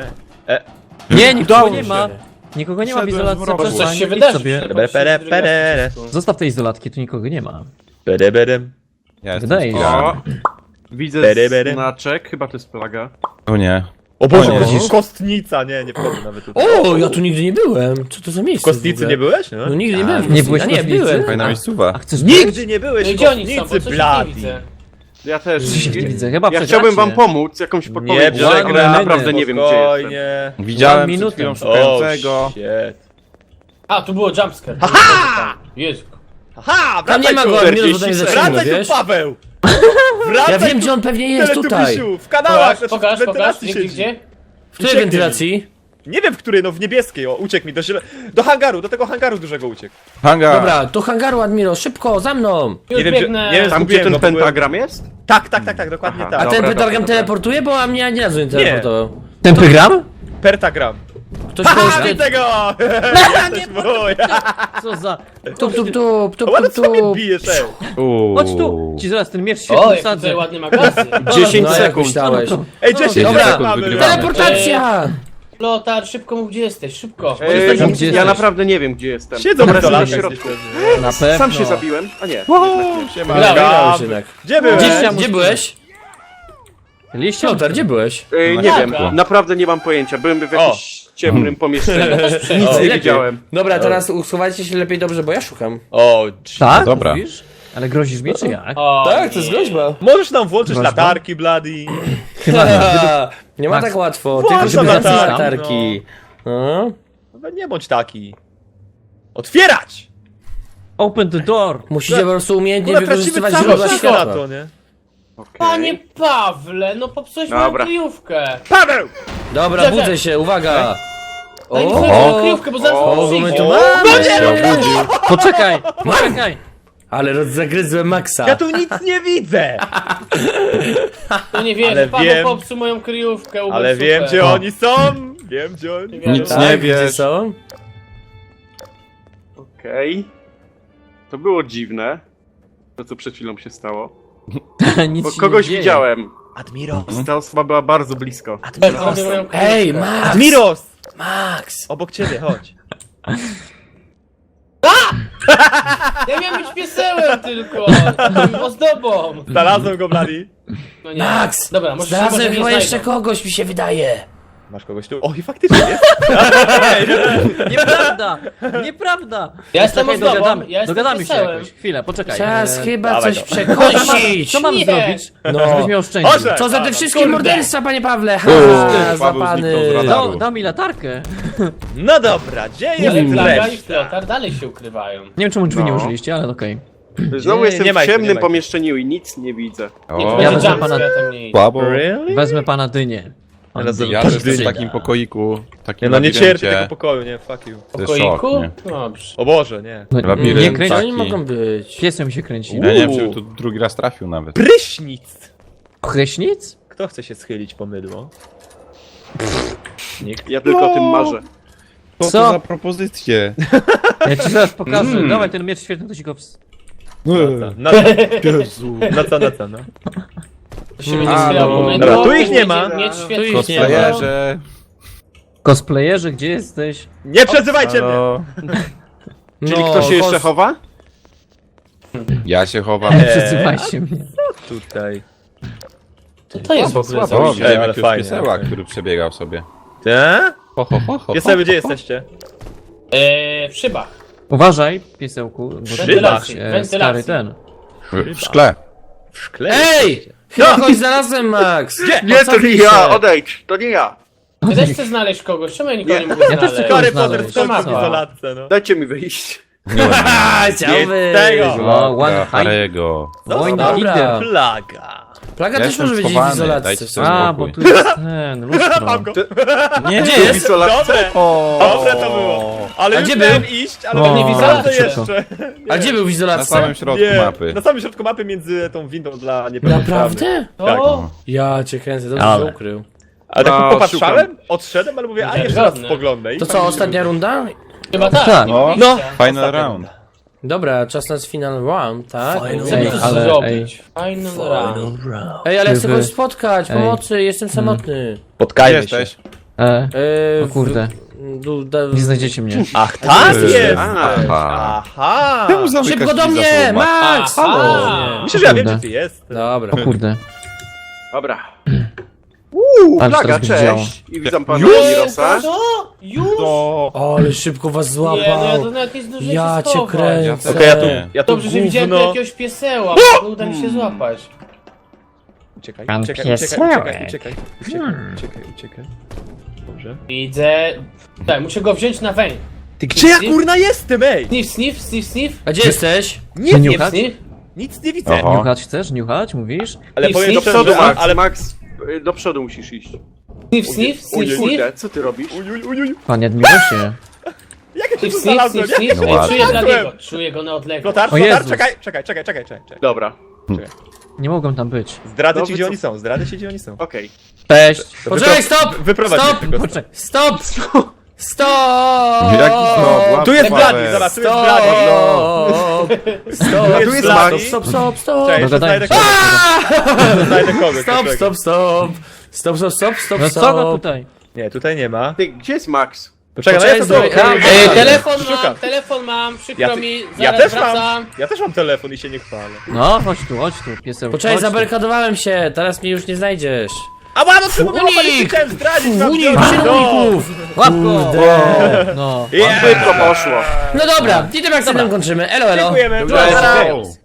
Speaker 5: Nie, nikogo
Speaker 2: Udało
Speaker 5: nie
Speaker 2: się.
Speaker 5: ma. Nikogo nie ma w
Speaker 3: Wszedłem
Speaker 5: izolacji.
Speaker 3: w mrok.
Speaker 4: Może coś
Speaker 5: zapraszam,
Speaker 4: się
Speaker 5: idź
Speaker 4: wydarzy.
Speaker 5: sobie.
Speaker 1: Pere, pere, pere.
Speaker 5: Zostaw te izolatki, tu nikogo nie ma.
Speaker 1: Bedebedem.
Speaker 3: Ja jestem
Speaker 5: Wydaje się.
Speaker 3: skierany.
Speaker 6: O, widzę
Speaker 1: Bery, bery.
Speaker 6: znaczek, chyba to jest plaga.
Speaker 3: O nie.
Speaker 1: O Boże,
Speaker 3: O nie.
Speaker 1: kostnica, nie wchodzę nawet tutaj.
Speaker 2: O, ja tu nigdy nie byłem. Co to za
Speaker 1: W
Speaker 2: miejsce?
Speaker 1: kostnicy
Speaker 2: w ogóle?
Speaker 1: nie byłeś? No.
Speaker 2: No nigdy nie byłem. w
Speaker 5: Nie
Speaker 2: kostnicy.
Speaker 5: byłeś
Speaker 2: A
Speaker 5: w
Speaker 2: nie,
Speaker 5: kostnicy?
Speaker 2: byłem.
Speaker 3: Fajna
Speaker 5: A
Speaker 3: miejscowa.
Speaker 5: chcesz
Speaker 1: Nigdy nie byłeś
Speaker 4: No
Speaker 1: w
Speaker 4: gdzie oni są? Bo
Speaker 1: kostnicy,
Speaker 4: coś nie
Speaker 1: blady.
Speaker 4: widzę.
Speaker 6: Ja też.
Speaker 5: Nie widzę, chyba
Speaker 6: Ja
Speaker 5: przegracie.
Speaker 6: chciałbym wam pomóc, jakąś
Speaker 1: Nie,
Speaker 6: podpowiedź, ale
Speaker 1: przegramy,
Speaker 6: naprawdę nie wiem gdzie jestem.
Speaker 1: spokojnie.
Speaker 3: Widziałem przed
Speaker 5: minutę.
Speaker 3: chwilą
Speaker 1: O,
Speaker 3: szukającego.
Speaker 1: shit.
Speaker 4: A, tu było jumpscare.
Speaker 1: Aha!
Speaker 4: Jezu.
Speaker 1: Aha,
Speaker 2: Tam nie ma
Speaker 1: tu.
Speaker 2: go, Admiros, bo tam jest za ciemno,
Speaker 1: Wracaj
Speaker 2: wiesz?
Speaker 1: tu, Paweł!
Speaker 2: Ja
Speaker 1: Wracaj
Speaker 2: wiem,
Speaker 1: tu,
Speaker 2: gdzie on pewnie jest, tutaj.
Speaker 1: Teletubisiu, w kanałach, znaczy
Speaker 4: Pokaż,
Speaker 1: w
Speaker 4: pokaż.
Speaker 1: wentylacji
Speaker 4: Gdzie,
Speaker 1: siedzi.
Speaker 4: gdzie?
Speaker 2: W której
Speaker 1: Ucieknie
Speaker 2: wentylacji?
Speaker 1: Nie wiem w której, no w niebieskiej, o, uciekł mi do hangaru, do tego hangaru dużego uciekł.
Speaker 3: Hangar.
Speaker 2: Dobra, do hangaru, Admiro, szybko, za mną.
Speaker 4: Już
Speaker 1: wiem,
Speaker 4: biegnę.
Speaker 1: nie wiem,
Speaker 6: Tam gdzie
Speaker 1: Zgubiłem
Speaker 6: ten
Speaker 1: go, bo byłem-
Speaker 6: pentagram jest?
Speaker 1: Tak, dokładnie
Speaker 6: Aha.
Speaker 1: tak.
Speaker 2: A ten
Speaker 6: Dobra,
Speaker 2: pentagram
Speaker 6: dobra.
Speaker 2: teleportuje, bo a mnie ani razu nie teleportował.
Speaker 5: Ten program?
Speaker 1: Pentagram.
Speaker 2: Ktoś
Speaker 1: Ha,
Speaker 2: kogoś...
Speaker 1: widzę go! Jesteś mój!
Speaker 5: Co za...
Speaker 2: Tup,
Speaker 1: Ale co mnie bijesz, ej?
Speaker 5: Chodź tu! Ci zaraz ten miecz
Speaker 4: O,
Speaker 5: świetny
Speaker 4: jak
Speaker 5: wsadzę.
Speaker 4: tutaj ładny magazyn.
Speaker 6: 10
Speaker 2: No jak
Speaker 6: sekund.
Speaker 2: myślałeś.
Speaker 1: Ej, 10
Speaker 2: Dobra.
Speaker 1: sekund mamy.
Speaker 3: Wygrywamy.
Speaker 2: Teleportacja!
Speaker 4: Lotar, szybko mów gdzie jesteś, szybko.
Speaker 5: Tam, gdzie
Speaker 6: Ja
Speaker 5: jesteś?
Speaker 6: naprawdę nie wiem gdzie jestem.
Speaker 1: Siedzą w
Speaker 6: Dobra, jestem na
Speaker 1: izolatkach
Speaker 6: środku.
Speaker 1: gdzieś.
Speaker 5: Na pewno.
Speaker 6: Sam się zabiłem. A nie.
Speaker 1: Siema,
Speaker 4: Grałem.
Speaker 1: Gab.
Speaker 2: Jednak.
Speaker 1: Gdzie byłeś?
Speaker 2: Gdzie byłeś?
Speaker 5: Liście?
Speaker 2: Lotar, gdzie byłeś?
Speaker 6: Nie wiem,
Speaker 4: Dobra.
Speaker 6: naprawdę nie mam pojęcia. Byłem w jakimś ciemnym pomieszczeniu. Nic nie
Speaker 2: Lepiej.
Speaker 6: widziałem.
Speaker 2: Dobra, teraz schowajcie się lepiej dobrze, bo ja szukam.
Speaker 1: O,
Speaker 5: Tak?
Speaker 3: Dobra.
Speaker 5: Mówisz? Ale grozisz mi, czy jak?
Speaker 4: O,
Speaker 2: Tak, to jest
Speaker 4: nie.
Speaker 2: groźba.
Speaker 1: możesz nam włączyć
Speaker 5: Groźba?
Speaker 1: latarki, Bloody.
Speaker 2: Nie ma
Speaker 5: Max,
Speaker 2: tak łatwo,
Speaker 1: włącz
Speaker 2: tylko żeby
Speaker 1: latarki,
Speaker 2: dać latarki. No.
Speaker 1: No, nie bądź taki. Otwierać!
Speaker 5: Open the door!
Speaker 2: Musicie po prostu umiejętnie
Speaker 1: Kurwa, tracimy
Speaker 2: wykorzystywać
Speaker 1: cały
Speaker 2: źródła
Speaker 1: czas na
Speaker 2: światła.
Speaker 1: to, nie?
Speaker 4: Panie
Speaker 6: Okej.
Speaker 4: Pawle, no popsułeś moją
Speaker 6: Dobra.
Speaker 4: kryjówkę.
Speaker 1: Paweł!
Speaker 2: Dobra,
Speaker 4: Czekaj.
Speaker 2: budzę się, uwaga!
Speaker 4: Daj mi
Speaker 2: O,
Speaker 4: swoją kryjówkę, bo zaraz
Speaker 2: kogo my tu
Speaker 4: przyjdzie.
Speaker 2: mamy?
Speaker 3: Się obudził.
Speaker 5: Poczekaj! Poczekaj!
Speaker 2: Ale zagryzłem Maxa.
Speaker 1: Ja tu nic nie widzę!
Speaker 4: No nie wierzę,
Speaker 1: Ale
Speaker 4: Paweł
Speaker 1: wiem.
Speaker 4: popsuł moją kryjówkę. ubył
Speaker 1: Ale wiem,
Speaker 4: super.
Speaker 1: gdzie oni są! Wiem, gdzie oni są.
Speaker 3: Nic
Speaker 2: Tak,
Speaker 3: nie
Speaker 2: gdzie
Speaker 3: wiesz.
Speaker 2: są?
Speaker 6: Okej. To było dziwne. To co przed chwilą się stało.
Speaker 5: Nic
Speaker 6: Bo
Speaker 5: się
Speaker 6: kogoś
Speaker 5: nie dzieje.
Speaker 6: widziałem.
Speaker 1: Admiros!
Speaker 6: Ta osoba była bardzo blisko.
Speaker 4: Popsuł moją kryjówkę.
Speaker 2: Ej, Max!
Speaker 1: Admiros!
Speaker 2: Max!
Speaker 1: Obok ciebie, chodź.
Speaker 4: Ja miałem być piesełem tylko. Ozdobą.
Speaker 1: Znalazłem go, Bloody.
Speaker 4: No nie.
Speaker 2: Max!
Speaker 4: Dobra, może
Speaker 2: Znalazłem
Speaker 4: mnie
Speaker 2: chyba jeszcze
Speaker 4: znajdą.
Speaker 2: kogoś, mi się wydaje.
Speaker 1: Masz kogoś tu? O, i faktycznie jest.
Speaker 5: Nieprawda! Nieprawda!
Speaker 4: Ja jestem
Speaker 5: Czekaj,
Speaker 4: ozdobą,
Speaker 5: dogadamy,
Speaker 4: ja jestem
Speaker 5: dogadamy się
Speaker 4: wesołem.
Speaker 5: jakoś. Chwilę, poczekaj.
Speaker 2: Czas chyba
Speaker 1: dawaj
Speaker 2: coś
Speaker 1: go.
Speaker 2: przekosić.
Speaker 5: Co mam
Speaker 4: Nie.
Speaker 5: zrobić?
Speaker 2: No.
Speaker 5: Żebyś mnie oszczędził.
Speaker 1: Boże!
Speaker 2: Co za te wszystkie
Speaker 4: Kurde.
Speaker 2: morderstwa, panie Pawle? Ha,
Speaker 3: Paweł
Speaker 2: złapany.
Speaker 3: zniknął z radaru.
Speaker 5: Dał mi latarkę.
Speaker 1: No dobra, gdzie
Speaker 4: Ale
Speaker 1: jest
Speaker 4: Plaga i
Speaker 1: reszta?
Speaker 4: Flotar dalej się ukrywają.
Speaker 5: Nie wiem czemu drzwi nie
Speaker 6: No.
Speaker 5: użyliście, ale okej.
Speaker 6: Znowu
Speaker 1: Nie,
Speaker 6: jestem
Speaker 1: nie ma
Speaker 6: w
Speaker 1: ich tu, nie
Speaker 6: ciemnym
Speaker 1: ma ich tu.
Speaker 6: pomieszczeniu i nic nie widzę.
Speaker 4: Nie
Speaker 3: O,
Speaker 5: Ja
Speaker 4: będzie
Speaker 5: wezmę
Speaker 4: jumpscare,
Speaker 5: pana-
Speaker 4: tam nie idzie.
Speaker 3: słabo.
Speaker 1: Really?
Speaker 5: Wezmę pana dynię. Pan
Speaker 1: Ja
Speaker 5: dynię.
Speaker 3: Ja też jestem w
Speaker 5: Przyda.
Speaker 3: takim pokoiku, takim
Speaker 1: Nie no, nie
Speaker 3: labiryncie.
Speaker 1: cierpię tego pokoju, nie, fuck you.
Speaker 4: W
Speaker 3: To jest
Speaker 4: pokoiku?
Speaker 3: szok, nie?
Speaker 4: Dobrze.
Speaker 1: O Boże, nie.
Speaker 5: No,
Speaker 3: Labirynt
Speaker 5: nie kręć.
Speaker 2: Co oni
Speaker 3: taki.
Speaker 2: mogą być?
Speaker 5: Piesem się kręci.
Speaker 3: Ja nie wiem, czy tu drugi raz trafił nawet.
Speaker 1: Prysznic!
Speaker 5: Chryśnic?
Speaker 1: Kto chce się schylić po mydło? Nikt.
Speaker 6: Ja tylko o tym marzę.
Speaker 3: Co
Speaker 5: Co?
Speaker 3: to za propozycje?
Speaker 5: Ja ci zaraz pokażę. Dawaj ten miecz świetny, to ci go
Speaker 1: Na co? Na co, no?
Speaker 4: To się będzie
Speaker 3: A,
Speaker 4: schylał
Speaker 3: no.
Speaker 4: po mydło,
Speaker 1: Dobra, tu ich nie
Speaker 4: będzie
Speaker 1: ma.
Speaker 4: mieć
Speaker 2: Tu
Speaker 4: świetny
Speaker 2: ich nie ma.
Speaker 3: Cosplayerze.
Speaker 5: Cosplayerze, gdzie jesteś?
Speaker 1: Nie przezywajcie mnie!
Speaker 3: Halo.
Speaker 6: Czyli kto się jeszcze chowa?
Speaker 3: Ja się chowam.
Speaker 5: Przesyłajcie mnie.
Speaker 1: Tutaj.
Speaker 4: Co to jest w ogóle za
Speaker 3: O,
Speaker 1: Ej,
Speaker 3: widziałem
Speaker 1: ale
Speaker 3: jakiegoś
Speaker 1: fajnie.
Speaker 3: pieseła, który przebiegał sobie.
Speaker 1: Te?
Speaker 3: Ho, ho, ho, ho,
Speaker 1: Pieseły,
Speaker 3: ho,
Speaker 1: gdzie
Speaker 3: ho, ho.
Speaker 1: jesteście?
Speaker 4: W szybach.
Speaker 5: Uważaj, piesełku, bo ty
Speaker 4: Wentylacji,
Speaker 5: masz,
Speaker 4: wentylacji.
Speaker 5: stary ten.
Speaker 3: W szkle.
Speaker 1: W szkle?
Speaker 2: Ej! Chyba kogoś znalazłem, Max!
Speaker 1: Gdzie?
Speaker 6: Nie, to
Speaker 2: Postawi
Speaker 6: nie
Speaker 2: się.
Speaker 6: ja, odejdź, to nie ja.
Speaker 4: Ty też chcesz znaleźć kogoś, czemu ja nikogo nie mogę
Speaker 5: Ja też
Speaker 4: znaleźć?
Speaker 1: Harry
Speaker 5: znaleźć.
Speaker 1: Potter skończył w
Speaker 4: Co?
Speaker 1: izolatce, no.
Speaker 6: Dajcie mi wyjść.
Speaker 2: A, chciałbyś!
Speaker 1: tego.
Speaker 5: O, one hide.
Speaker 3: Harego.
Speaker 5: One
Speaker 2: dobra.
Speaker 5: hidden.
Speaker 1: Plaga.
Speaker 2: Plaga
Speaker 3: Ja
Speaker 2: też
Speaker 3: jestem
Speaker 2: może być w
Speaker 3: schowany,
Speaker 2: izolacji.
Speaker 3: dajcie
Speaker 2: w
Speaker 3: sobie
Speaker 2: sumie.
Speaker 5: A, bo tu jest ten, lustro.
Speaker 1: Mam go.
Speaker 3: Nie,
Speaker 2: Gdzie jest?
Speaker 1: Dobre.
Speaker 3: O,
Speaker 1: Dobre to było. Ale
Speaker 2: A
Speaker 1: już
Speaker 2: gdzie
Speaker 1: miałem
Speaker 2: był?
Speaker 1: iść, ale
Speaker 5: O,
Speaker 1: to nie
Speaker 4: nie
Speaker 1: widziałem to
Speaker 4: widziałem
Speaker 1: jeszcze.
Speaker 2: A gdzie był w
Speaker 3: Na
Speaker 2: izolacji?
Speaker 3: samym środku
Speaker 1: Nie,
Speaker 3: mapy.
Speaker 1: na samym środku mapy między tą windą dla niepełnosprawnych.
Speaker 2: Naprawdę?
Speaker 1: Tak.
Speaker 4: O,
Speaker 2: Ja cię kręcę, dobrze
Speaker 5: Ale.
Speaker 2: się ukrył.
Speaker 1: Ale tak
Speaker 6: A,
Speaker 1: popatrzałem, odszedłem, ale mówię, a jeszcze raz
Speaker 4: Żadne.
Speaker 1: spoglądaj.
Speaker 2: To co, ostatnia runda?
Speaker 4: chyba tak.
Speaker 5: Tak.
Speaker 4: nie ma
Speaker 3: No.
Speaker 4: wyjścia.
Speaker 3: Final
Speaker 1: Ostatnia
Speaker 3: round.
Speaker 1: runda.
Speaker 2: Dobra, czas na final round, tak?
Speaker 4: Co
Speaker 5: Ej,
Speaker 4: by tu
Speaker 5: ale,
Speaker 4: zrobić? Final round.
Speaker 2: Ej, ale chcę
Speaker 5: Wy-
Speaker 2: kogoś spotkać,
Speaker 5: Ej.
Speaker 2: pomocy, jestem samotny.
Speaker 3: Gdzie
Speaker 1: Spotkajmy się.
Speaker 3: jesteś?
Speaker 5: O kurde, nie znajdziecie mnie.
Speaker 1: Ach, tak
Speaker 3: Ty.
Speaker 1: jest!
Speaker 3: Aha.
Speaker 1: Aha!
Speaker 3: Czemu zamykasz
Speaker 2: Szybko do
Speaker 3: drzwi za
Speaker 2: mnie,
Speaker 3: sobą?
Speaker 2: Max!
Speaker 4: Aha.
Speaker 1: Myślę, że ja wiem,
Speaker 5: Kurde.
Speaker 1: gdzie ty jest.
Speaker 2: Dobra.
Speaker 5: O kurde.
Speaker 6: Dobra.
Speaker 5: Ale
Speaker 6: Plaga,
Speaker 5: teraz będzie działo.
Speaker 6: cześć. I witam pana
Speaker 1: Już?
Speaker 6: Mirosa.
Speaker 4: Co? Już?
Speaker 3: To...
Speaker 2: Ale szybko was
Speaker 4: Nie, no ja
Speaker 2: złapał.
Speaker 4: to nawet nie zdążyłem
Speaker 2: Ja
Speaker 4: się
Speaker 2: cię
Speaker 4: schować.
Speaker 2: kręcę.
Speaker 1: Okej, ja tu
Speaker 4: Dobrze, że widziałem tu
Speaker 1: gówno...
Speaker 4: jakiegoś pieseła, bo nie uda mi się złapać.
Speaker 1: Uciekaj,
Speaker 5: Pan
Speaker 1: uciekaj,
Speaker 5: piesełek.
Speaker 1: uciekaj. Dobrze.
Speaker 4: Widzę... Tak, muszę go wziąć na weń.
Speaker 1: Ty gdzie ja kurna jestem, ej?
Speaker 4: Sniff.
Speaker 2: A gdzie jesteś?
Speaker 1: Nie,
Speaker 5: Nie
Speaker 1: nie,
Speaker 5: niuchać?
Speaker 4: Sniff.
Speaker 1: nic nie widzę.
Speaker 3: Oho.
Speaker 5: Niuchać chcesz? Niuchać, mówisz?
Speaker 1: Ale
Speaker 4: Nic,
Speaker 1: powiem
Speaker 4: nic,
Speaker 6: Do
Speaker 1: szczerze,
Speaker 6: przodu, Max.
Speaker 1: ale...
Speaker 6: Max, do przodu musisz iść.
Speaker 4: Sniff.
Speaker 6: Kurde, co ty robisz?
Speaker 1: Uj.
Speaker 5: Panie Admirosie.
Speaker 1: Jak ja się tu
Speaker 4: Sniff.
Speaker 1: znalazłem? Jak ja się
Speaker 3: No ładnie.
Speaker 4: Czuję dla
Speaker 1: znalazłem?
Speaker 4: niego. Czuję go na odległość.
Speaker 1: Flotar,
Speaker 5: O Jezus.
Speaker 1: czekaj.
Speaker 6: Dobra,
Speaker 5: Nie mogą tam być.
Speaker 1: Zdradzę
Speaker 6: No,
Speaker 1: ci, gdzie oni są, zdradzę ci, gdzie oni są.
Speaker 6: okej.
Speaker 5: Cześć.
Speaker 2: Poczekaj, stop!
Speaker 1: Wyprowadź
Speaker 2: Stop!
Speaker 1: mnie tylko.
Speaker 5: Poczekaj.
Speaker 2: Stop! Stop!
Speaker 3: Jaki stop? Łap
Speaker 1: Tu jest
Speaker 3: Paweł.
Speaker 1: Bladi, zobacz, tu jest Bladi.
Speaker 2: Stop!
Speaker 1: Tu jest
Speaker 2: Stop,
Speaker 1: Bladi.
Speaker 2: stop!
Speaker 1: Cześć, jeszcze
Speaker 5: Dogadajmy
Speaker 1: znajdę
Speaker 5: się.
Speaker 1: kogoś.
Speaker 2: Stop,
Speaker 1: poczekaj.
Speaker 2: stop!
Speaker 5: No co go tutaj?
Speaker 1: Nie, tutaj nie ma.
Speaker 6: Ty, gdzie jest Max?
Speaker 1: Poczekaj, no ja to
Speaker 2: Poczekaj,
Speaker 1: zrobię.
Speaker 4: Telefon mam, przykro
Speaker 1: Ja,
Speaker 4: mi,
Speaker 1: ja
Speaker 4: zaraz
Speaker 1: też
Speaker 4: wracam.
Speaker 1: mam. Ja też mam telefon i się nie chwalę.
Speaker 5: No, chodź tu, pieseł.
Speaker 2: Poczekaj,
Speaker 5: chodź tu.
Speaker 2: zabarykadowałem się, teraz mnie już nie znajdziesz.
Speaker 1: A no czemu
Speaker 2: Unik!
Speaker 1: nie chciałem zdradzić wam
Speaker 2: Unik,
Speaker 1: wziąć.
Speaker 2: uników!
Speaker 5: Łap go! No.
Speaker 1: Yeah.
Speaker 6: Szybko poszło.
Speaker 2: No dobra, i tym akcentem kończymy. Elo, elo.
Speaker 1: Dziękujemy.
Speaker 6: Dobra,
Speaker 1: Dobra.
Speaker 6: okej.